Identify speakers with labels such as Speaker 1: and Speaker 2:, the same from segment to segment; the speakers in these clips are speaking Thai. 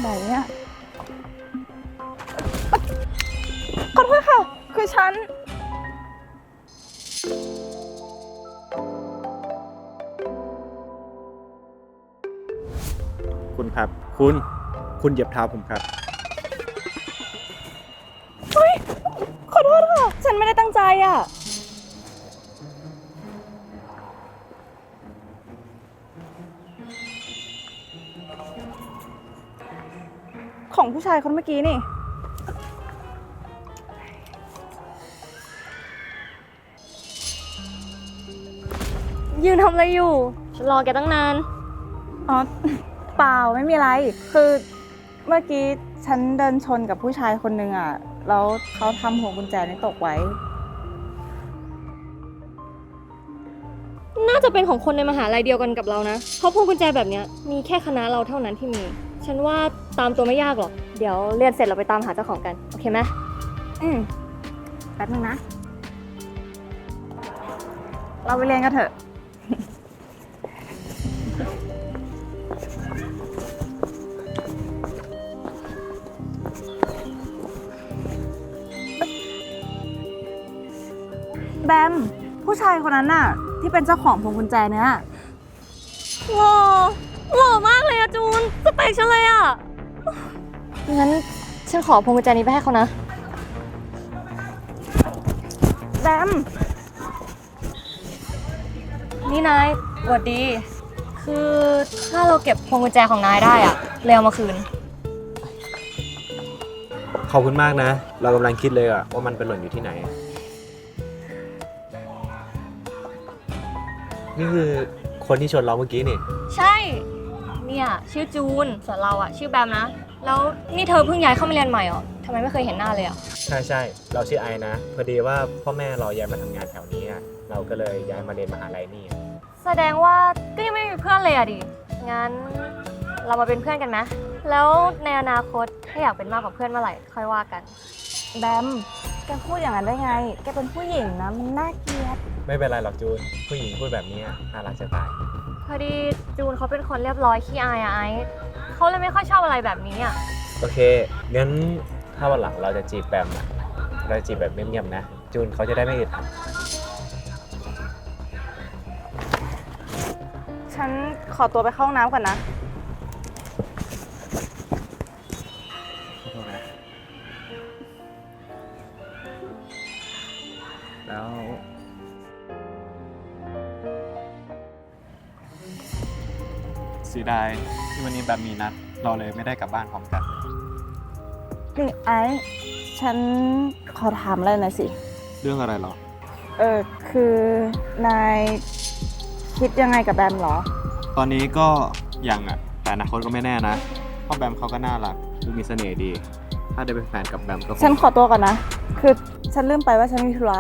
Speaker 1: ไหนเนี่ยขอโทษค่ะ คือฉัน
Speaker 2: คุณครับ คุณเหยียบเท้าผมครับ
Speaker 1: ขอโทษค่ะ ฉันไม่ได้ตั้งใจอ่ะ ของผู้ชายคนเมื่อกี้นี่
Speaker 3: ยืนทำอะไรอยู่ฉันรอแกตั้งนาน
Speaker 1: อ๋อ เปล่าไม่มีอะไร คือเมื่อกี้ฉันเดินชนกับผู้ชายคนนึงอ่ะ แล้วเขาทำหัวกุญแจนี่ตกไว้
Speaker 3: น่าจะเป็นของคนในมหาลัยเดียวกันกับเรานะ เพราะพวงกุญแจแบบเนี้ยมีแค่คณะเราเท่านั้นที่มี ฉันว่าตามตัวไม่ยากหรอก เดี๋ยวเรียนเสร็จเราไปตามหาเจ้าของกัน โอเคไหม
Speaker 1: แป๊บนึงนะ เราไปเรียนกันเถอะ แบม ผู้ชายคนนั้นน่ะ ที่เป็นเจ้าของพวงกุญแจเนี่ย
Speaker 3: หล่อหล่อมากเลยอะจูน สเปคฉันเลยอะงั้นฉันขอพวงกุญแจนี้ไปให้เขานะ
Speaker 1: แบม
Speaker 3: นี่นายสวัสดี คือถ้าเราเก็บพวงกุญแจของนายได้อะเลยเอามาคืน
Speaker 2: ขอบคุณมากนะ เรากำลังคิดเลยอะว่ามันเป็นหล่นอยู่ที่ไหน นี่คือคนที่ชนเราเมื่อกี้นี่
Speaker 3: ใช่ เนี่ยชื่อจูน ส่วนเราอะชื่อแบมนะ แล้วนี่เธอเพิ่งย้ายเข้ามาเรียนใหม่เหรอทำไมไม่เคยเห็นหน้าเลยอะ
Speaker 2: ใช่ เราชื่อไอนะ พอดีว่าพ่อแม่เราย้ายมาทำงานแถวนี้อะเราก็เลยย้ายมาเรียนมหาลัยนี่อะ
Speaker 3: แสดงว่าก็ยังไม่มีเพื่อนเลยอะดิ งั้นเรามาเป็นเพื่อนกันไหมแล้วในอนาคตถ้าอยากเป็นมากกว่าเพื่อนเมื่อไหร่ค่อยว่ากัน
Speaker 1: แบม แกพูดอย่างนั้นได้ไง แกเป็นผู้หญิงนะ มันน่าเกลียด
Speaker 2: ไม่เป็นไรหรอกจูน ผู้หญิงพูดแบบนี้น่ารักจะตาย
Speaker 3: พอดีจูนเขาเป็นคนเรียบร้อยขี้อายอะไอซ์เขาเลยไม่ค่อยชอบอะไรแบบนี้อะ
Speaker 2: โอเค งั้นถ้าวันหลังเราจะจีบแบมอะเราจะจีบแบบเงียบๆนะ จูนเขาจะได้ไม่อึดอัด
Speaker 1: ฉันขอตัวไปเข้าห้องน้ำก่อนนะ
Speaker 2: ขอโทษนะแล้วเสียดายที่วันนี้แบบมีนัด เราเลยไม่ได้กลับบ้านพร้อมกัน
Speaker 1: นี่ไอ้ฉันขอถามอะไรหน่อยสิ
Speaker 2: เรื่องอะไรหรอ
Speaker 1: คือนายคิดยังไงกับแบมเหรอ
Speaker 2: ตอนนี้ก็ยังอ่ะ แต่อนาคตก็ไม่แน่นะเพราะแบมเขาก็น่ารักดูมีเสน่ห์ดี ถ้าได้เป็นแฟนกับแบมก็คง
Speaker 1: ฉันขอตัวก่อนนะ คือฉันลืมไปว่าฉันมีธุระ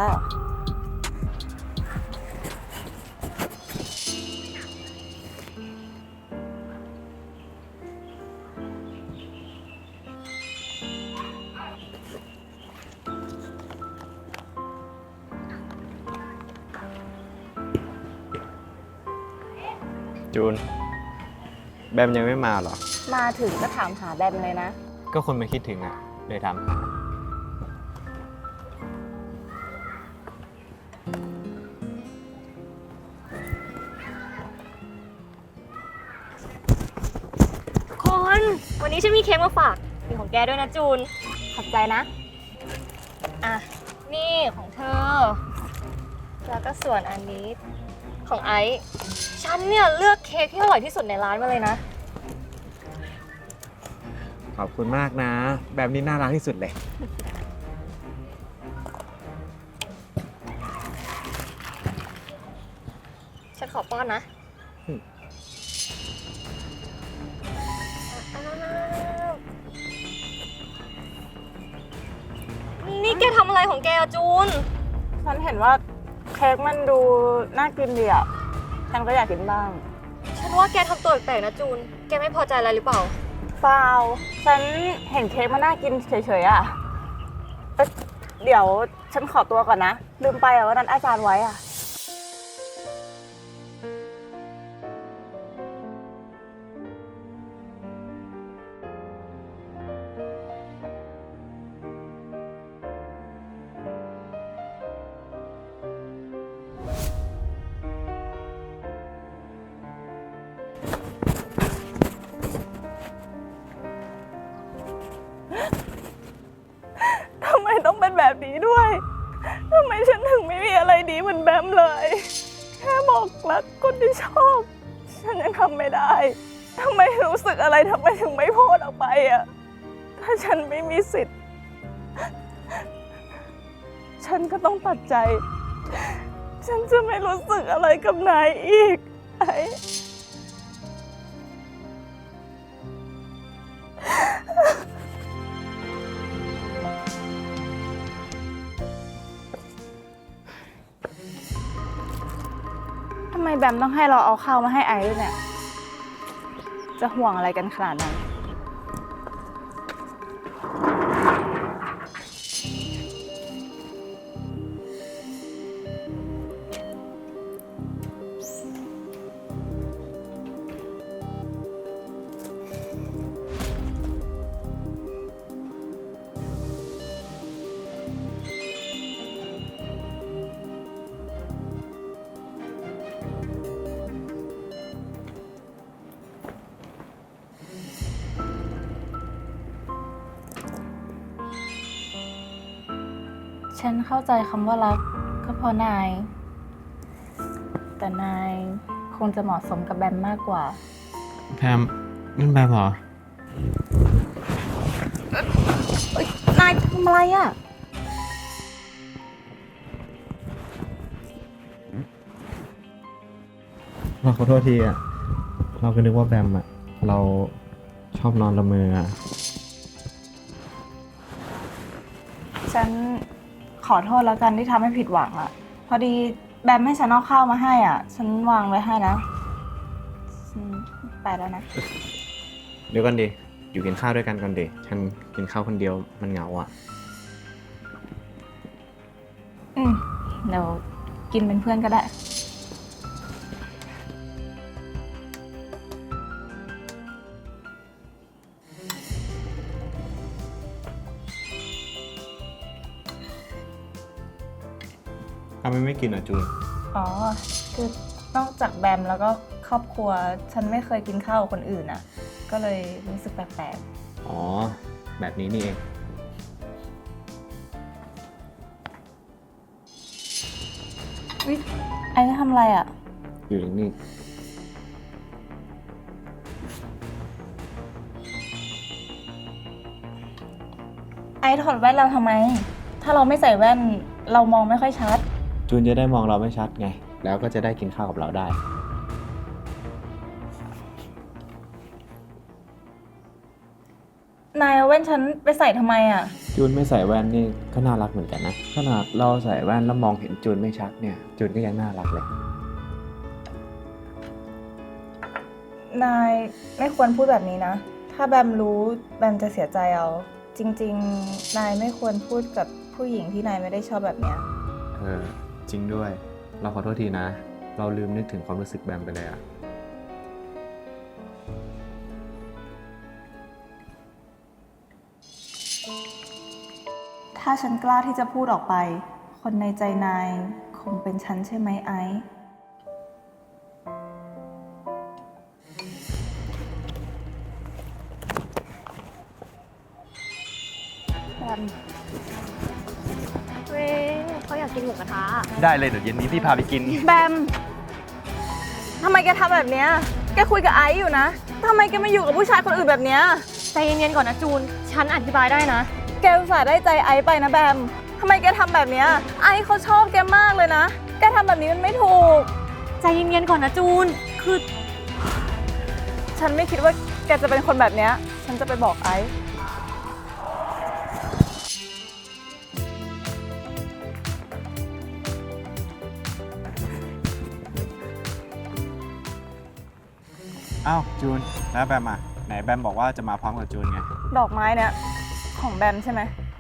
Speaker 2: จูน แบมยังไม่มาเหรอ
Speaker 1: มาถึงก็ถามหาแบมเลยนะ
Speaker 2: ก็คนมันคิดถึงอ่ะ เลยทำหา
Speaker 3: คนวันนี้ฉันมีเค้กมาฝากมีของแกด้วยนะจูน
Speaker 1: ขอบใจนะ
Speaker 3: อ่ะ นี่ของเธอ แล้วก็ส่วนอันนี้ของไอซ์ฉันเนี่ยเลือกเค้กที่อร่อยที่สุดในร้านมาเลยนะ
Speaker 2: ขอบคุณมากนะ แบบนี้น่ารักที่สุดเลย
Speaker 3: ฉันขอป้อนนะ
Speaker 2: อืม
Speaker 3: นี่แกทำอะไรของแกอะจูน
Speaker 1: ฉันเห็นว่าเค้กมันดูน่ากินดีอ่ะ ฉันก็อยากกินบ้าง
Speaker 3: ฉันว่าแกทำตัวแปลกๆนะจูน แกไม่พอใจอะไรหรือเปล่า
Speaker 1: เปล่า ฉันเห็นเค้กมันน่ากินเฉยๆอ่ะเดี๋ยวฉันขอตัวก่อนนะ ลืมไปอ่ะว่านัดอาจารย์ไว้อ่ะดีด้วยทำไมฉันถึงไม่มีอะไรดีเหมือนแบมเลย แค่บอกรักคนที่ชอบ ฉันยังทำไม่ได้ทำไมรู้สึกอะไรทำไมถึงไม่พูดออกไปอะถ้าฉันไม่มีสิทธิ์ ฉันก็ต้องตัดใจ ฉันจะไม่รู้สึกอะไรกับนายอีกไอ้ทำไมแบมต้องให้เราเอาข้าวมาให้ไอซ์ด้วยเนี่ย จะห่วงอะไรกันขนาดนั้น ฉันเข้าใจคำว่ารักก็เพราะนาย แต่นายคงจะเหมาะสมกับแบมมากกว่า
Speaker 2: แพมนั่นแบมเหรอ
Speaker 1: นายทำอะไรอ่ะ
Speaker 2: เราขอโทษทีอ่ะ เราก็นึกว่าแบมอ่ะ เราชอบนอนละเมออ่ะ
Speaker 1: ฉันขอโทษแล้วกันที่ทำให้ผิดหวังอ่ะ พอดีแบมให้ฉันเอาข้าวมาให้อ่ะ ฉันวางไว้ให้นะฉันไปแล้วนะ
Speaker 2: เดี๋ยวก่อนดิ อยู่กินข้าวด้วยกันก่อนดิ ฉันกินข้าวคนเดียวมันเหงาอ่ะ
Speaker 1: เดี๋ยวกินเป็นเพื่อนก็ได้
Speaker 2: ทำไมไม่กินอ่ะจูน
Speaker 1: อ๋อ คือนอกจากแบมแล้วก็ครอบครัว ฉันไม่เคยกินข้าวกับคนอื่นอ่ะ ก็เลยรู้สึกแปลก
Speaker 2: อ๋อ แบบนี้นี่เอง
Speaker 1: ๆวิไอ้จะทำอะไรอ่ะ
Speaker 2: อยู่นิ่ง
Speaker 1: ไอ้ถอดแว่นเราทำไม ถ้าเราไม่ใส่แว่นเรามองไม่ค่อยชัด
Speaker 2: ๆจูนจะได้มองเราไม่ชัดไง แล้วก็จะได้กินข้าวกับเราได้
Speaker 1: นายเอาแว่นฉันไปใส่ทำไมอ่ะ
Speaker 2: จูนไม่ใส่แว่นนี่ก็น่ารักเหมือนกันนะ ขนาดเราใส่แว่นแล้วมองเห็นจูนไม่ชัดเนี่ย จูนก็ยังน่ารักเลย
Speaker 1: นายไม่ควรพูดแบบนี้นะ ถ้าแบมรู้แบมจะเสียใจเอา จริงๆ นายไม่ควรพูดกับผู้หญิงที่นายไม่ได้ชอบแบบเนี้ย
Speaker 2: จริงด้วย เราขอโทษทีนะ เราลืมนึกถึงความรู้สึกแบมไปเลยอะ
Speaker 1: ถ้าฉันกล้าที่จะพูดออกไป คนในใจนายคงเป็นฉันใช่ไหมไอซ์แบม
Speaker 3: เว้ยเขาอยากกินหมูกระทะ
Speaker 4: ได้เลยเดี๋ยวเย็นนี้พี่พาไปกิน
Speaker 1: แบม ทำไมแกทำแบบเนี้ย แกคุยกับไอซ์อยู่นะ ทำไมแกมาอยู่กับผู้ชายคนอื่นแบบเนี้ย
Speaker 3: ใจเย็นๆก่อนนะจูน ฉันอธิบายได้นะ
Speaker 1: แกอุตส่าห์ได้ใจไอซ์ไปนะแบม ทำไมแกทำแบบเนี้ย ไอซ์เขาชอบแกมากเลยนะ แกทำแบบนี้มันไม่ถูก
Speaker 3: ใจเย็นๆก่อนนะจูน คือ
Speaker 1: ฉันไม่คิดว่าแกจะเป็นคนแบบเนี้ย ฉันจะไปบอกไอซ์
Speaker 2: อ้าว จูน แล้วแบมอ่ะ ไหนแบมบอกว่าจะมาพร้อมกับจูนไง
Speaker 1: ดอกไม้เนี่ยของแบมใช่ไหม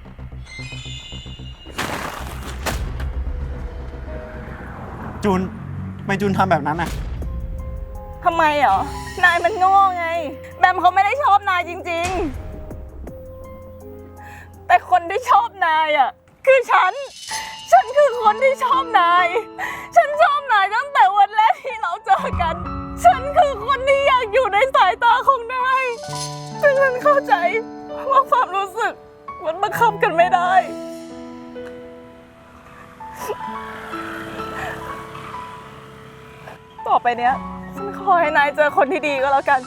Speaker 2: จูนทำไมจูนทำแบบนั้นอ่ะ
Speaker 1: ทำไมเหรอ นายมันโง่ไง แบมเขาไม่ได้ชอบนายจริงๆ แต่คนที่ชอบนายอ่ะคือฉัน ฉันคือคนที่ชอบนาย ฉันชอบนายตั้งแต่วันแรกที่เราเจอกัน ฉันคือคนที่อยากอยู่ในสายตาของนายแต่ฉันเข้าใจว่าความรู้สึกมันบังคับกันไม่ได้ต่อไปเนี้ยฉันขอให้นายเจอคนที่ดีก็แล้วกัน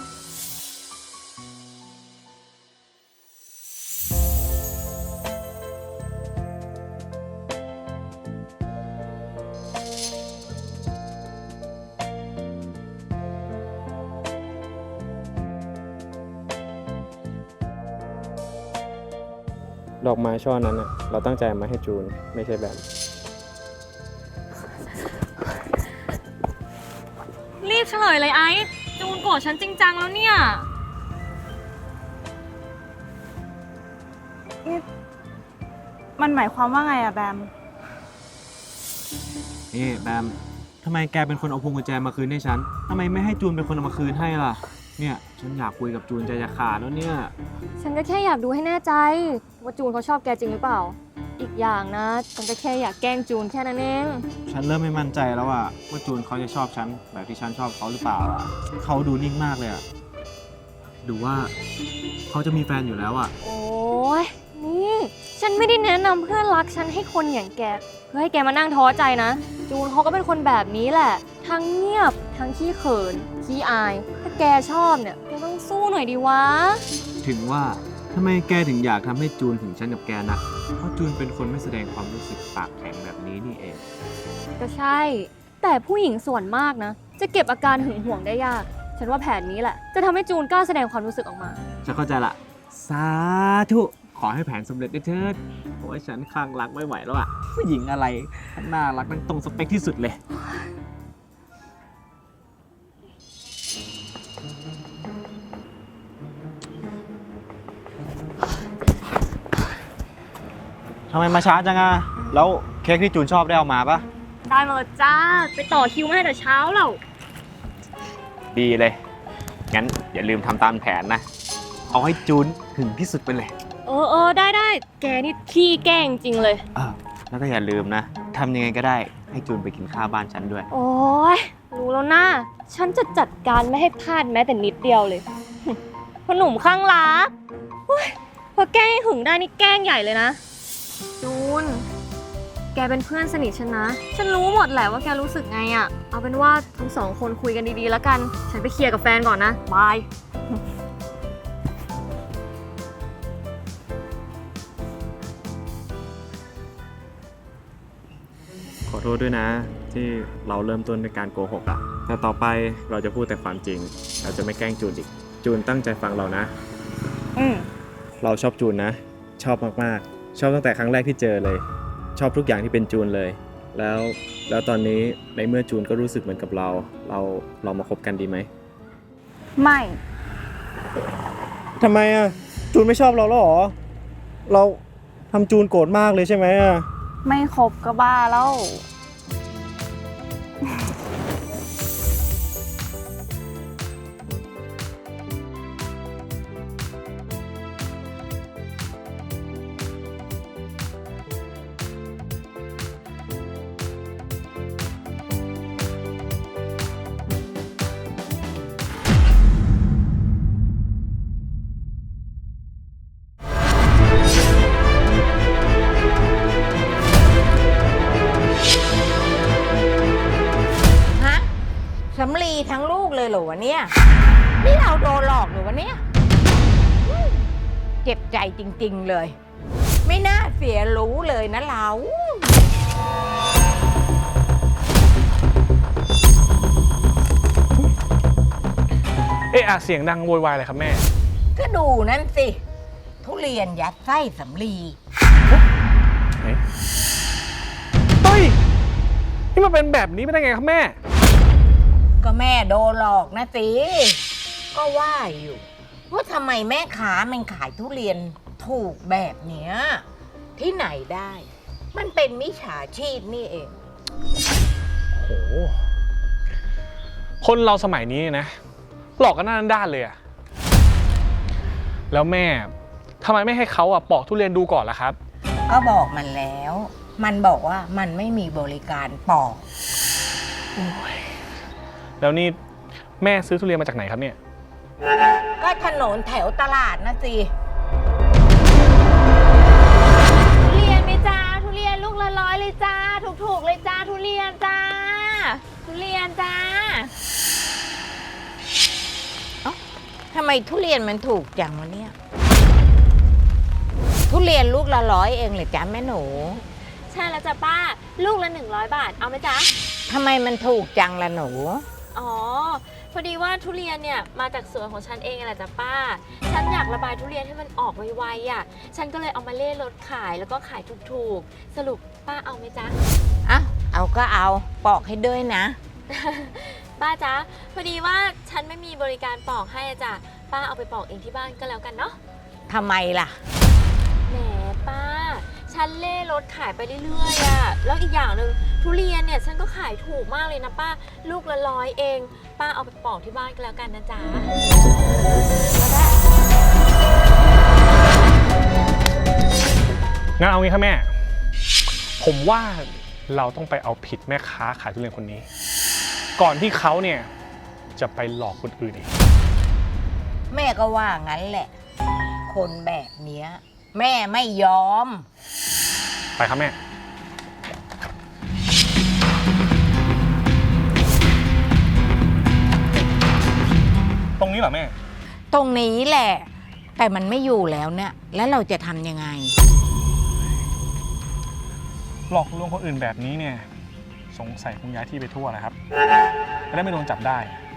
Speaker 2: ดอกไม้ช่อนั้นอะเราตั้งใจมาให้จูนไม่ใช่แบบ
Speaker 3: รีบเฉลยเลยไอ้จูนโกรธฉันจริงจังแล้วเนี่ย
Speaker 1: มันหมายความว่าไงอะแบม
Speaker 2: นี่แบมทำไมแกเป็นคนเอาพวงกุญแจมาคืนให้ฉันทำไมไม่ให้จูนเป็นคนเอามาคืนให้ล่ะ เนี่ยฉันอยากคุยกับจูนใจจะขาดแล้วเนี่ย
Speaker 3: ฉันก็แค่อยากดูให้แน่ใจว่าจูนเขาชอบแกจริงหรือเปล่า อีกอย่างนะฉันก็แค่อยากแกล้งจูนแค่นั้นเอง
Speaker 2: ฉันเริ่มไม่มั่นใจแล้วอะว่าจูนเขาจะชอบฉันแบบที่ฉันชอบเขาหรือเปล่าอะเขาดูนิ่งมากเลยอะดูว่าเขาจะมีแฟนอยู่แล้วอะ
Speaker 3: โอ้ยนี่ฉันไม่ได้แนะนำเพื่อนรักฉันให้คนอย่างแกเพื่อให้แกมานั่งท้อใจนะ จูนเขาก็เป็นคนแบบนี้แหละ ทั้งเงียบทั้งขี้เขินขี้อาย ถ้าแกชอบเนี่ยแกต้องสู้หน่อยดีวะ
Speaker 2: ถึงว่าทำไมแกถึงอยากทำให้จูนถึงฉันกับแกนะเพราะจูนเป็นคนไม่แสดงความรู้สึกปากแข็งแบบนี้นี่เอง
Speaker 3: ก็ใช่ แต่ผู้หญิงส่วนมากนะ จะเก็บอาการหึงหวงได้ยาก ฉันว่าแผนนี้แหละ จะทำให้จูนกล้าแสดงความรู้สึกออกมา
Speaker 2: ฉันเข้าใจละสาธุขอให้แผนสำเร็จด้วยเถิดเพราะว่าฉันคลั่งรักไม่ไหวแล้วอะผู้หญิงอะไรน่ารักนั่งตรงสเปคที่สุดเลยทำไมมาช้าจังอะแล้วเค้กที่จูนชอบได้เอามาปะ
Speaker 3: ได้มาแล้วจ้า ไปต่อคิวมาให้แต่เช้าแล้ว
Speaker 2: ดีเลย งั้นอย่าลืมทำตามแผนนะ เอาให้จูนถึงที่สุดไปเลย
Speaker 3: เออได้ แกนี่ขี้แกล้งจริงเลย
Speaker 2: แล้วก็อย่าลืมนะทำยังไงก็ได้ให้จูนไปกินข้าวบ้านฉันด้วย
Speaker 3: โอ้ยรู้แล้วนะ ฉันจะจัดการไม่ให้พลาดแม้แต่นิดเดียวเลย พ่อหนุ่มข้างรักโอ้ยพอแกล้งให้หึงได้นี่แกล้งใหญ่เลยนะ จูน แกเป็นเพื่อนสนิทฉันนะ ฉันรู้หมดแหละว่าแกรู้สึกไงอะเอาเป็นว่าทั้งสองคนคุยกันดีๆแล้วกัน ฉันไปเคลียร์กับแฟนก่อนนะ บาย
Speaker 2: ขอโทษด้วยนะ ที่เราเริ่มต้นด้วยการโกหกอะแต่ต่อไปเราจะพูดแต่ความจริง เราจะไม่แกล้งจูนอีก จูนตั้งใจฟังเรานะ เราชอบจูนนะ ชอบมากๆ ชอบตั้งแต่ครั้งแรกที่เจอเลย ชอบทุกอย่างที่เป็นจูนเลย แล้วตอนนี้ในเมื่อจูนก็รู้สึกเหมือนกับเรามาคบกันดีไหม
Speaker 1: ไม่
Speaker 2: ทำไมอะจูนไม่ชอบเราแล้วหรอเราทำจูนโกรธมากเลยใช่ไหมอะ
Speaker 1: ไม่ครบก็บ้าแล้ว
Speaker 5: ฮะสำลีทั้งลูกเลยเหรอวะเนี่ย นี่เราโดนหลอกหรือวะเนี่ยเจ็บใจจริงๆเลย ไม่น่าเสียรู้เลยนะเรา
Speaker 4: เสียงดังโวยวายอะไรครับแม่
Speaker 5: ก็ดูนั่นสิ ทุเรียนยัดไส้สำลี
Speaker 4: เฮ้ย นี่มันเป็นแบบนี้ไม่ได้ไงครับแม่
Speaker 5: ก็แม่โดนหลอกนะสิ ก็ว่าอยู่ว่าทำไมแม่ค้ามันขายทุเรียนถูกแบบเนี้ยที่ไหนได้ มันเป็นมิจฉาชีพนี่เอง
Speaker 4: โห คนเราสมัยนี้นะ หลอกกันหน้าด้านเลยอะแล้วแม่ทำไมไม่ให้เขาปอกทุเรียนดูก่อนล่ะครับ
Speaker 5: ก็บอกมันแล้ว มันบอกว่ามันไม่มีบริการปอก
Speaker 4: แล้วนี่แม่ซื้อทุเรียนมาจากไหนครับเนี่ย
Speaker 5: ก็ถนนแถวตลาดนะสิ
Speaker 3: ทุเรียนไหมจ้า ทุเรียนลูกละ100เลยจ้า ถูนจ้า
Speaker 5: ทำไมทุเรียนมันถูกจังวะเนี่ย ทุเรียนลูกละ100เองเหรอจ๊ะแม่หนู
Speaker 3: ใช่แล้วจ้ะป้า ลูกละ100 บาท เอาไหมจ๊ะ
Speaker 5: ทำไมมันถูกจังละหนู
Speaker 3: อ๋อ พอดีว่าทุเรียนเนี่ยมาจากสวนของฉันเองแหละจ้ะป้า ฉันอยากระบายทุเรียนให้มันออกไวๆอ่ะ ฉันก็เลยเอามาเล่รถขายแล้วก็ขายถูกๆ สรุปป้าเอาไหมจ๊ะ
Speaker 5: อ่ะ เอาก็เอาปอกให้ด้วยนะ
Speaker 3: ป้าจ๊ะ พอดีว่าฉันไม่มีบริการปอกให้อะจ้ะ ป้าเอาไปปอกเองที่บ้านก็แล้วกันเนาะ
Speaker 5: ทำไมล่ะ
Speaker 3: แหมป้า ฉันเล่รถขายไปเรื่อยๆอะแล้วอีกอย่างหนึ่งทุเรียนเนี่ยฉันก็ขายถูกมากเลยนะป้า ลูกละ100เอง ป้าเอาไปปอกที่บ้านก็แล้วกันนะจ๊ะก็ได้
Speaker 4: งั้นเอางี้ครับแม่ ผมว่าเราต้องไปเอาผิดแม่ค้าขายทุเรียนคนนี้ ก่อนที่เขาเนี่ยจะไปหลอกคนอื่นอีก
Speaker 5: แม่ก็ว่างั้นแหละ คนแบบเนี้ย แม่ไม่ยอม
Speaker 4: ไปครับแม่ ตรงนี้เหรอแม่
Speaker 5: ตรงนี้แหละ แต่มันไม่อยู่แล้วเนี่ย แล้วเราจะทำยังไง
Speaker 4: หลอกลวงคนอื่นแบบนี้เนี่ยสงสัยคงย้ายที่ไปทั่วนะครับจะได้ไม่โดนจับได้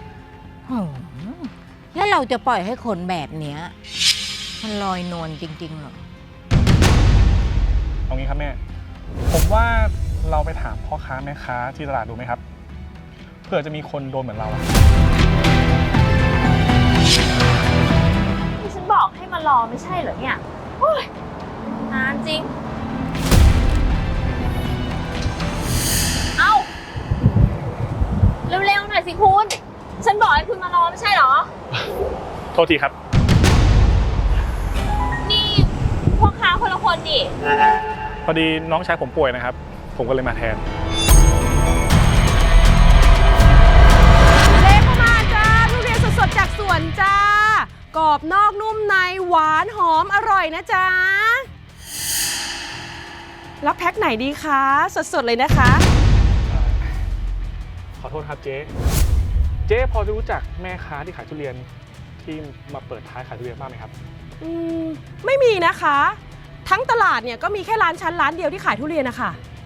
Speaker 5: แล้วเราจะปล่อยให้คนแบบเนี้ยมันลอยนวลจริงๆเหรอ
Speaker 4: เอางี้ครับแม่ ผมว่าเราไปถามพ่อค้าแม่ค้าที่ตลาดดูไหมครับ เผื่อจะมีคนโดนเหมือนเราอะ
Speaker 3: ที่ฉันบอกให้มารอไม่ใช่เหรอเนี่ยโอ้ยนานจริง เอาเร็วๆหน่อยสิคุณ ฉันบอกให้คุณมารอไม่ใช่เหรอ
Speaker 4: โทษทีครับ
Speaker 3: นี่พ่อค้าคนละคนดิ
Speaker 4: พอดีน้องชายผมป่วยนะครับ ผมก็เลยมาแทน
Speaker 1: เลเข้ามาจ้าทุเรียนสดๆจากสวนจ้ากรอบนอกนุ่มในหวานหอมอร่อยนะจ๊ะรับแพ็คไหนดีคะสดๆเลยนะคะ
Speaker 4: ขอโทษครับเจ๊ เจ๊พอจะรู้จักแม่ค้าที่ขายทุเรียนที่มาเปิดท้ายขายทุเรียนบ้างไหมครับ
Speaker 1: ไม่มีนะคะ ทั้งตลาดเนี่ยก็มีแค่ร้านชั้นร้านเดียวที่ขายทุเรียนนะคะ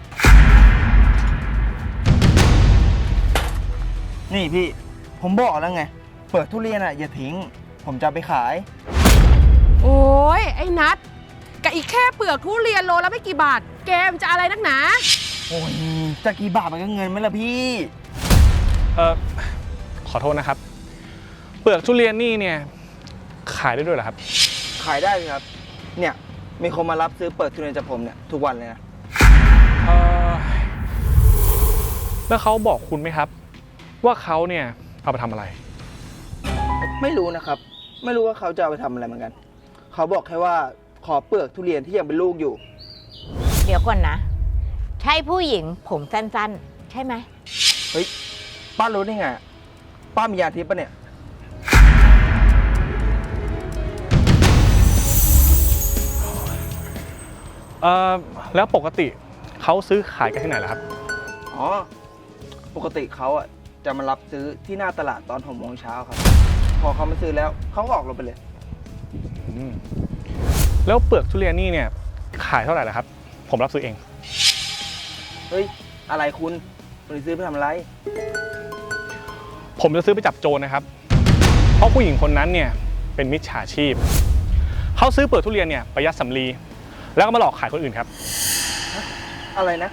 Speaker 6: นี่พี่ ผมบอกแล้วไง เปิดทุเรียนอ่ะอย่าทิ้ง ผมจะเอาไปขาย
Speaker 1: โอ้ยไอ้นัทกับอีกแค่เปลือกทุเรียนโลละไม่กี่บาทแกมจะอะไรนักหนา
Speaker 6: โอ้ยจะกี่บาทมันก็เงินไหมล่ะพี่
Speaker 4: ขอโทษนะครับ เปลือกทุเรียนนี่เนี่ยขายได้ด้วยเหรอครับ
Speaker 6: ขายได้เลยครับ เนี่ยมีคนมารับซื้อเปิดทุเรียนจากผมเนี่ยทุกวันเลยนะ
Speaker 4: แล้วเขาบอกคุณไหมครับ ว่าเขาเนี่ยเอาไปทำอะไร
Speaker 6: ไม่รู้นะครับ ไม่รู้ว่าเขาจะเอาไปทำอะไรเหมือนกัน เขาบอกแค่ว่าขอเปลือกทุเรียนที่ยังเป็นลูกอยู่
Speaker 5: เดี๋ยวก่อนนะ ใช่ผู้หญิงผมสั้นๆ ใช่ไหม
Speaker 6: เฮ้ยป้ารู้ได้ไงอะป้ามียาทิพย์ปะเนี่ย
Speaker 4: แล้วปกติเขาซื้อขายกันที่ไหนล่ะครับ
Speaker 6: อ๋อ ปกติเขาอ่ะจะมารับซื้อที่หน้าตลาดตอน6 โมงเช้าครับ พอเขามาซื้อแล้วเขาก็ออกรถไปเลย
Speaker 4: แล้วเปลือกทุเรียนนี่เนี่ยขายเท่าไหร่ล่ะครับ ผมรับซื้อเอง
Speaker 6: เฮ้ย อะไรคุณจะซื้อไปทำอะไร
Speaker 4: ผมจะซื้อไปจับโจรนะครับ เพราะผู้หญิงคนนั้นเนี่ยเป็นมิจฉาชีพ เขาซื้อเปลือกทุเรียนเนี่ยไปยัดสำลีแล้วก็มาหลอกขายคนอื่นครับ
Speaker 6: อะไรนะ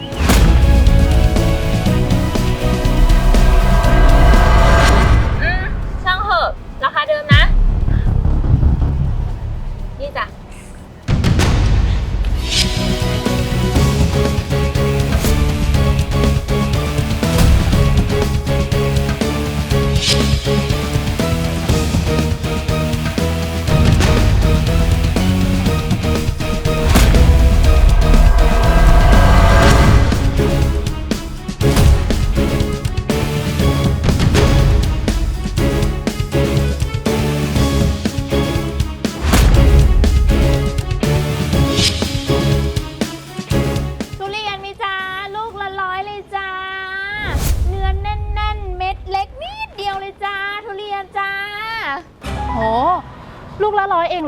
Speaker 3: ช่างเหอะ ราคาเดิมนะ นี่จ้ะ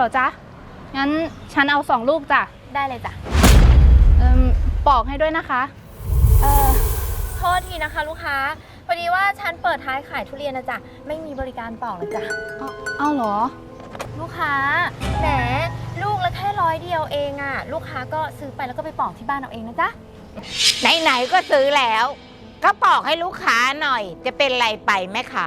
Speaker 7: รอจ๊ะ งั้นฉันเอา2 ลูกจ้ะ
Speaker 3: ได้เลยจ้ะ
Speaker 7: ปอกให้ด้วยนะคะ
Speaker 3: โทษทีนะคะลูกค้า พอดีว่าฉันเปิดท้ายขายทุเรียนนะจ๊ะ ไม่มีบริการปอกนะจ๊ะ
Speaker 7: เอาเหรอ
Speaker 3: ลูกค้า แหม ลูกละแค่100 เดียวเองอะลูกค้าก็ซื้อไปแล้วก็ไปปอกที่บ้านเอาเองนะจ๊ะ
Speaker 5: ไหนๆก็ซื้อแล้ว ก็ปอกให้ลูกค้าหน่อย จะเป็นไรไปแม่ค้า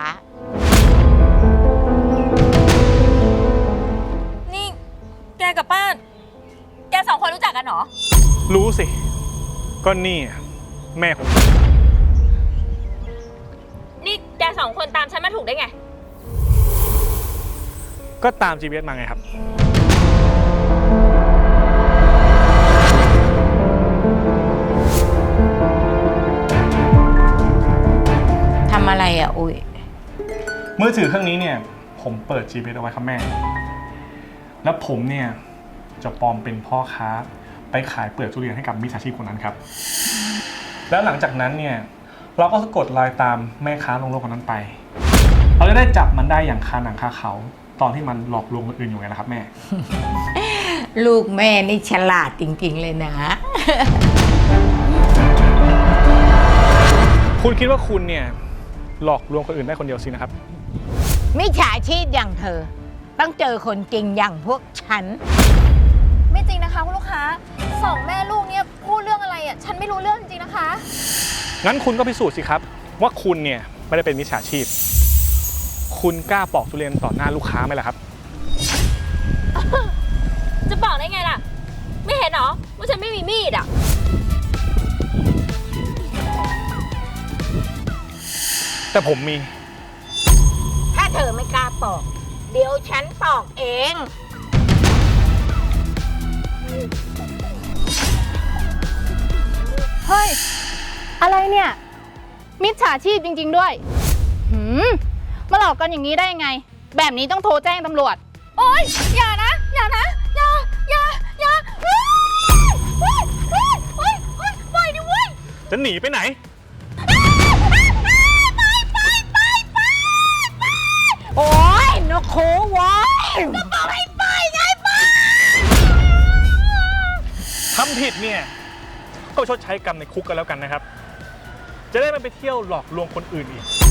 Speaker 3: นี่ แกกับป้า แก2 คนรู้จักกันเหรอ
Speaker 4: รู้สิ ก็นี่แม่ของ
Speaker 3: นี่แก2 คนตามฉันมาถูกได้ไง
Speaker 4: ก็ตาม GPS มาไงครับ
Speaker 5: ทำอะไรอ่ะ อุ้ย
Speaker 4: มือถือเครื่องนี้เนี่ย ผมเปิด GPS เอาไว้ครับแม่ แล้วผมเนี่ยจะปลอมเป็นพ่อค้าไปขายเปลือกทุเรียนให้กับมิจฉาชีพคนนั้นครับ แล้วหลังจากนั้นเนี่ยเราก็สะกดรอยตามแม่ค้าลงโลกคนนั้นไป เราจะได้จับมันได้อย่างคาหนังคาเขาตอนที่มันหลอกลวงคนอื่นอยู่ไงล่ะครับแม่
Speaker 5: ลูกแม่นี่ฉลาดจริงๆเลยนะ
Speaker 4: คุณคิดว่าคุณเนี่ยหลอกลวงคนอื่นได้คนเดียวสินะครับ
Speaker 5: มิจฉาชีพอย่างเธอ ต้องเจอคนจริงอย่างพวกฉัน
Speaker 3: ไม่จริงนะคะคุณลูกค้า2 แม่ลูกเนี่ยพูดเรื่องอะไรอ่ะ ฉันไม่รู้เรื่องจริงๆนะคะ
Speaker 4: งั้นคุณก็พิสูจน์สิครับ ว่าคุณเนี่ยไม่ได้เป็นมิจฉาชีพ คุณกล้าปอกทุเรียนต่อหน้าลูกค้าไหมล่ะครับ
Speaker 3: จะบอกได้ไงล่ะ ไม่เห็นเหรอว่าฉันไม่มีมีดอ่ะ
Speaker 4: แต่ผมมี
Speaker 5: ถ้าเธอไม่กล้าปอก เดี๋ยวฉันปอกเอง
Speaker 7: เฮ้ย อะไรเนี่ย มิจฉาชีพจริง ๆ ด้วย มาหลอกกันอย่างนี้ได้ยังไง แบบนี้ต้องโทรแจ้งตำรวจ
Speaker 3: โอ๊ย อย่านะ อย่านะ อย่าปล่อยดิเว้ย
Speaker 4: จะหนีไปไหน
Speaker 5: โอ้ยนกคูโว้ย
Speaker 4: ทำผิดเนี่ย ก็ชดใช้กรรมในคุกกันแล้วกันนะครับ จะได้ไม่ไปเที่ยวหลอกลวงคนอื่นอีก